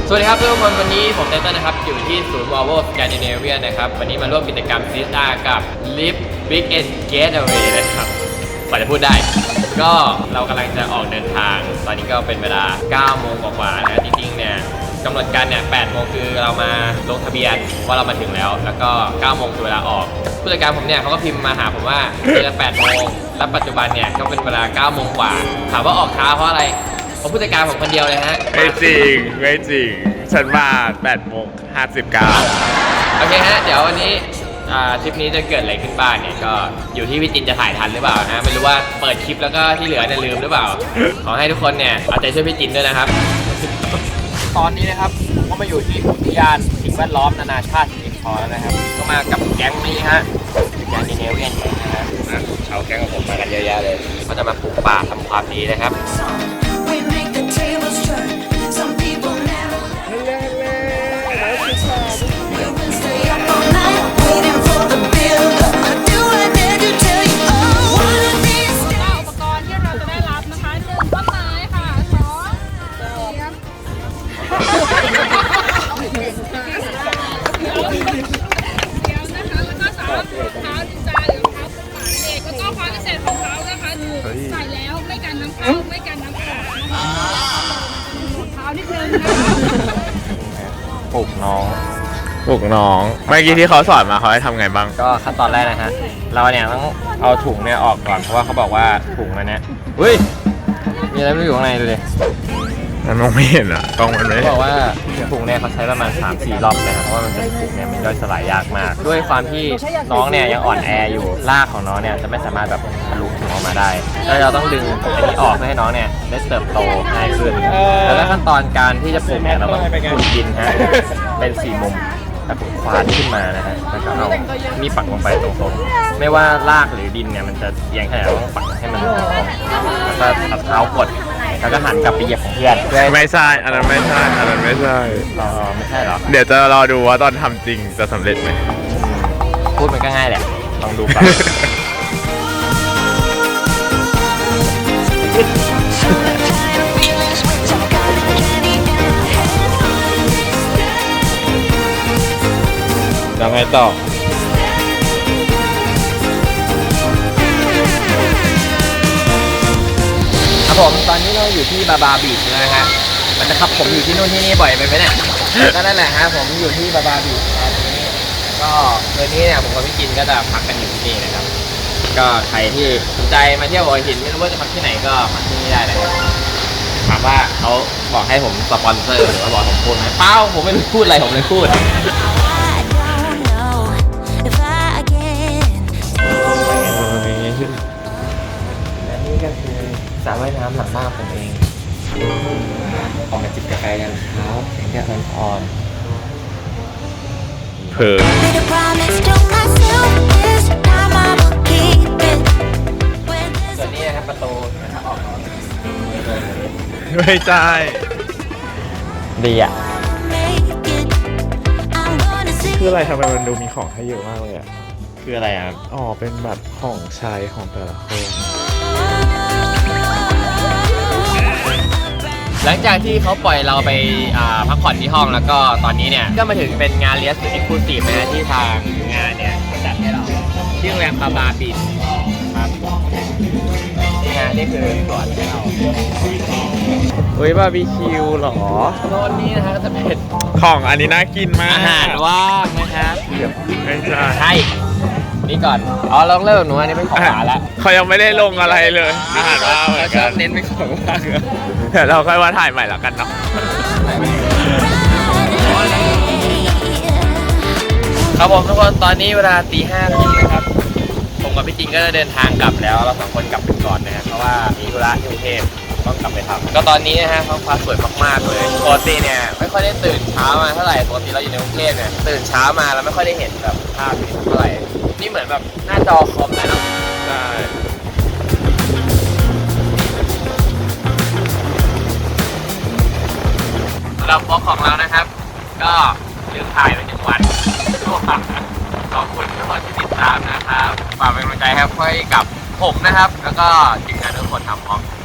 สวัสดีครับทุกคนวันนี้ผมเต้นนะครับอยู่ที่ศูนย์ Volvo Scandinavia นะครับวันนี้มาร่วมกิจกรรม CSR กับ Live Weekend Getaway นะครับกว่าจะพูดได้ก็เรากำลังจะออกเดินทางตอนนี้ก็เป็นเวลา 9 โมงกว่าๆนะจริงๆเนี่ยกำหนดการเนี่ย 8 โมงคือเรามาลงทะเบียนว่าเรามาถึงแล้วก็ 9 โมงคือเวลาออกผู้จัดการผมเนี่ยเขาก็พิมพ์มาหาผมว่าเจอกัน 8 โมงและปัจจุบันเนี่ยก็เป็นเวลา 9 โมงกว่าถามว่าออกช้าเพราะอะไรเพราะผู้จัดการผมคนเดียวเลยฮะไม่จริงฉันมา8:59โอเคฮะเดี๋ยววันนี้ทริปนี้จะเกิดอะไรขึ้นบ้างเนี่ยก็อยู่ที่พี่จินจะถ่ายทันหรือเปล่านะไม่รู้ว่าเปิดคลิปแล้วก็ที่เหลือเนี่ยลืมหรือเปล่าขอให้ทุกคนเนี่ยเอาใจช่วยพี่จินด้วยนะครับตอนนี้นะครับก็มาอยู่ที่อุทยานสิ่งแวดล้อมนานาชาติสิงคโปร์แล้วนะครับก็มากับแก๊งนี้ฮะแก๊งเนเวียนนะฮะเอาแก๊งของผมมากันเยอะแยะเลยเขาจะมาปลูกป่าทำความดีนะครับใส่แล้วไม่กันน้ำเข้าไม่กันน้ำออกเท้านิดนึงนะปลูกน้องเมื่อกี้ที่เขาสอนมาเขาให้ทำไงบ้างก็ขั้นตอนแรกนะฮะเราเนี่ยต้องเอาถุงเนี่ยออกก่อนเพราะว่าเขาบอกว่าถุงมันเนี่ยเฮ้ยมีอะไรไม่อยู่ข้างในเลยมันมองไม่เห็นอ่ะกล้องมันไม่บอกว่าถุงเนี่ยเขาใช้ประมาณ 3-4 รอบเลยครับเพราะว่ามันเป็นถุงเนี่ยมันย่อยสลายยากมากด้วยความที่น้องเนี่ยยังอ่อนแออยู่รากของน้องเนี่ยจะไม่สามารถแบบทะลุถุงออกมาได้แล้วเราต้องดึงอันนี้ออกเพื่อให้น้องเนี่ยได้เติบโตง่ายขึ้นแล้วขั้นตอนการที่จะปลูกเนี่ยเราต้องขุดดินฮะเป็น4 มุมแล้วควานขึ้นมานะฮะแล้วก็เอามีปักลงไปตรงๆไม่ว่ารากหรือดินเนี่ยมันจะเอียงแค่ไหนต้องปักให้มันตรงๆแล้วก็เอาเท้ากดแล้วก็หันกลับไปเหยียบของเพื่อนไม่ใช่อันนั้นไม่ใช่ไม่ใช่หรอเดี๋ยวจะรอดูว่าตอนทำจริงจะสำเร็จไหมพูดมันก็ง่ายแหละลองดูก่อนแล้วไงต่อครับผมตอนนี้เราอยู่ที่บาบาบีชนะฮะมันจะขับผมอยู่ที่นู่นที่นี่บ่อยไปไหมเนี่ยก็นั่นแหละฮะผมอยู่ที่บาบาบีชตอนนี้ก็คืนนี้เนี่ยผมกับพี่กินก็จะพักกันอยู่ที่นี่นะครับก็ใครที่สนใจมาเที่ยวหัวหินไม่รู้ว่าจะพักที่ไหนก็มาที่นี่ได้นะครับถามว่าเขาบอกให้ผมสปอนเซอร์หรือว่าบอกผมพูดไหมเปล่าผมไม่รู้พูดอะไรผมเลยพูดและนี่ก็คือสระว่ายน้ำหลังบ้านผมเองออกมาจิบกาแฟกันเช้าแสงแดดอ่อนเผลอส่วนนี้นะครับประตูนะครับออกไม่ใช่ดีอ่ะคืออะไรทำไมมันดูมีของให้เยอะมากเลยอ่ะคืออะไรอ่ะอ๋อเป็นแบบของใช้ของแต่ละคนหลังจากที่เขาปล่อยเราไปพักผ่อนที่ห้องแล้วก็ตอนนี้เนี่ยก็มาถึงเป็นงานเลี้ยงสุดเอ็กซ์คลูซีฟนะที่ทางงานเนี่ยจัดให้เราที่โรงแรมบาบาบีชครับนี่คือสวนให้เราเฮ้ยบาร์บีคิวหรอโซนนี้นะฮะก็จะเป็นของอันนี้น่ากินมากอาหารว่างนะครับไม่ใช่นี่ก่อนลองเริ่มหนูอันนี้เป็นของหวานละเขายังไม่ได้ลงอะไรเลยอาหารว่างแล้วก็เน้นเป็นของว่างเดี๋ยวเราค่อยว่าถ่ายใหม่แล้วกันเนาะครับผมทุกคนตอนนี้เวลา5:30นะครับผมกับพี่จริงก็จะเดินทางกลับแล้วเรา2 คนกลับไปก่อนนะฮะเพราะว่ามีธุระที่กรุงเทพต้องกลับไปทำก็ตอนนี้นะฮะท้องฟ้าสวยมากๆเลยปกติเนี่ยไม่ค่อยได้ตื่นเช้ามาเท่าไหร่ปกติเราอยู่ในกรุงเทพเนี่ยตื่นเช้ามาแล้วไม่ค่อยได้เห็นแบบภาพนี้เท่าไหร่นี่เหมือนแบบหน้าจอคอมเลยเนาะใช่สำหรับบล็อกของเรานะครับก็ลืมถ่ายไป1 วันขอบคุณทุกคนที่ติดตามนะครับฝากเป็นกำลังใจให้กับผมนะครับแล้วก็ทีมงานทุกคนทำพร้อม